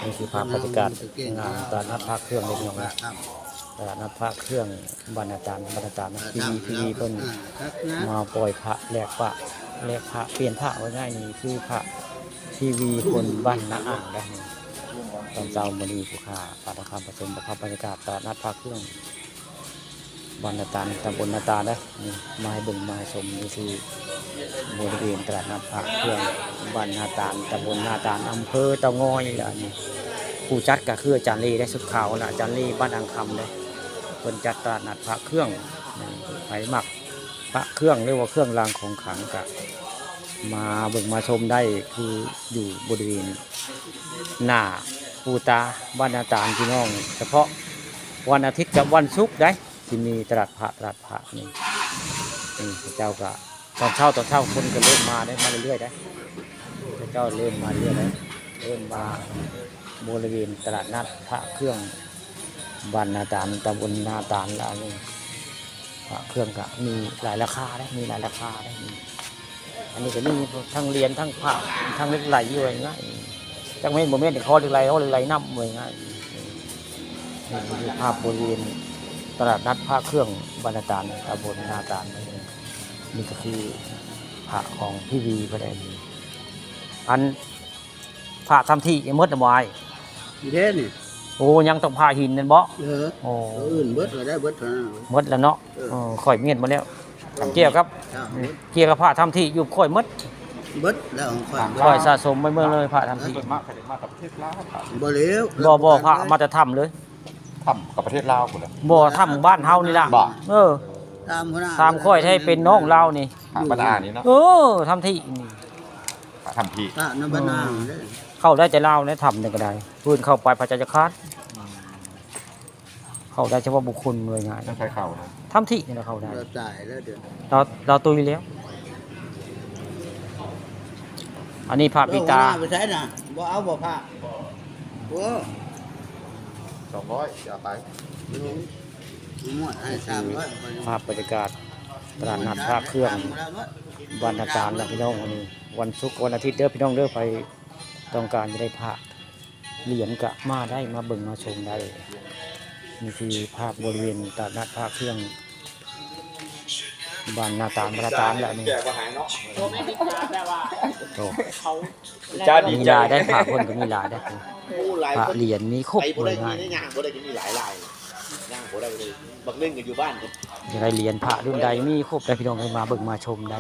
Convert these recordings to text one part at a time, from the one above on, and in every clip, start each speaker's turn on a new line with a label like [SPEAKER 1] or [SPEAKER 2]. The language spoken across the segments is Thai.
[SPEAKER 1] นี่คือภาพบรรยากาศงานตลาดนัดพระเครื่องเล็กน้อยตลาดนัดพระเครื่องบรรณาจารย์ทีวีเพิ่นมาปล่อยพระแลกพระเปลี่ยนพระไว้ง่ายนี่คือพระทีวีคนบ้านนาอ่างได้ตอนเช้ามื้อนี้ผู้ค้าปาฐคำผสมกับภาพบรรยากาศตลาดนัดพระเครื่องบรรณาจารย์ตำบลนาตาได้นี่มาให้เบิ่งมาให้ชมนี่คือบริเวณตลาดนัดพระเครื่องบรรณาจารย์ตำบลนาตาลอำเภอเตางอยล่ะนี่ผู้จัดก็คืออาจารย์ลีได้สุดข่าวล่ะอาจารย์ลีบ้านอังคำเลยเพิ่นจัดตลาดนัดพระเครื่องไผมักพระเครื่องเรียกว่าเครื่องรางของขลังก็มาเบิ่งมาชมได้คืออยู่บริเวณหน้าปูตาบ้านนาตาลพี่น้องเฉพาะวันอาทิตย์กับวันศุกร์ได้ที่มีตลาดพระนี่เจ้าก็ตอนเช้าคนก็เริ่มมาได้มาเรื่อยๆได้เจ้าเริ่มมาเรื่อยได้เริ่มมาบริเวณตลาดนัดพระเครื่องบ้านนาตาลตำบลนาตาลแล้วนี่พระเครื่องก็มีหลายราคาได้มีหลายราคาได้อันนี้ก็มีทั้งเหรียญทั้งพระทั้งเหล็กไหลอยู่ง่ายจังเม่นโมเมนต์คอเหล็กไหลน้ำเลยง่ายนี่คือภาพบริเวณตลาดนัดพระเครื่องบรรณาจารย์ตำบลนาตาลนี่ก็คือพระของพี่วีก็ได้อันพระทำที่ยังมดวาย
[SPEAKER 2] เด้นี่
[SPEAKER 1] โอ้ยังต้องพาหินนั่นบ่
[SPEAKER 2] โอ้อื่นเบิดได้เบิดเท่านั้น
[SPEAKER 1] มดแล้วเนาะข่อยเมียนมาแล้วเกี่ยวกับพระทำที่อยู่ข่อยมด
[SPEAKER 2] เบิดแล้ว
[SPEAKER 1] ข่อยสะสมไปเมื่อเลยพระทำที่
[SPEAKER 3] มากับประเทศลาว
[SPEAKER 2] บ่เลี้ยว
[SPEAKER 1] บ่พระมาจะทำเลย
[SPEAKER 3] ทำกับประเทศลาวหมดเลย
[SPEAKER 1] บ่ทำบ้านเฮานี่ล่ะตามข่อยให้เป็นน้องเรานี่
[SPEAKER 3] บ้านอานี่เนาะ
[SPEAKER 1] ทำที่นี่
[SPEAKER 3] ทำที่
[SPEAKER 2] บ้านอา
[SPEAKER 1] เข้าได้จะเล่าเนี่ยทำเนี่ยก็ได้พื้นเข้าไปพระจันทร์คาดเข้าได้เฉพาะบุคคลเลยง่าย
[SPEAKER 3] ต้องใช้เข่า
[SPEAKER 1] ทำที่นี่เราเข้าได้
[SPEAKER 2] เราจ่ายแล้วเดือน
[SPEAKER 1] เราตุยแล้วอันนี้พระปิตา
[SPEAKER 2] ไปใช้น่ะบ่เอาบ่พระโอ้
[SPEAKER 3] 200อย่าไป
[SPEAKER 2] หมดให้300
[SPEAKER 1] ภาพบรรยากาศตลาดนัดพระเครื่องบรรณาจารย์นะพี่น้องวันนี้วันศุกร์วันอาทิตย์เด้อพี่น้องเด้อไปต้องการจะได้พระเหรียญกะมาได้มาเบิ่งมาชมได้นี่คือภาพบริเวณตลาดนัดพระเครื่องบรรณาจารย์แล้วนี่มีลายได้พระคนก็มีลายได้พระเหรียญมีครบเลยง่าย
[SPEAKER 4] บางเรื่องกันอยู่บ้าน
[SPEAKER 1] จะได้เหรียญพระรุ่นใดมีครบได้พี่น้องให้มาเบิ่งมาชมได้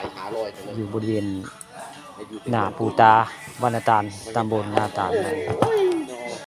[SPEAKER 1] อยู่บริเวณหน้าปูตาบรรณาจารย์ตำบลนาตาล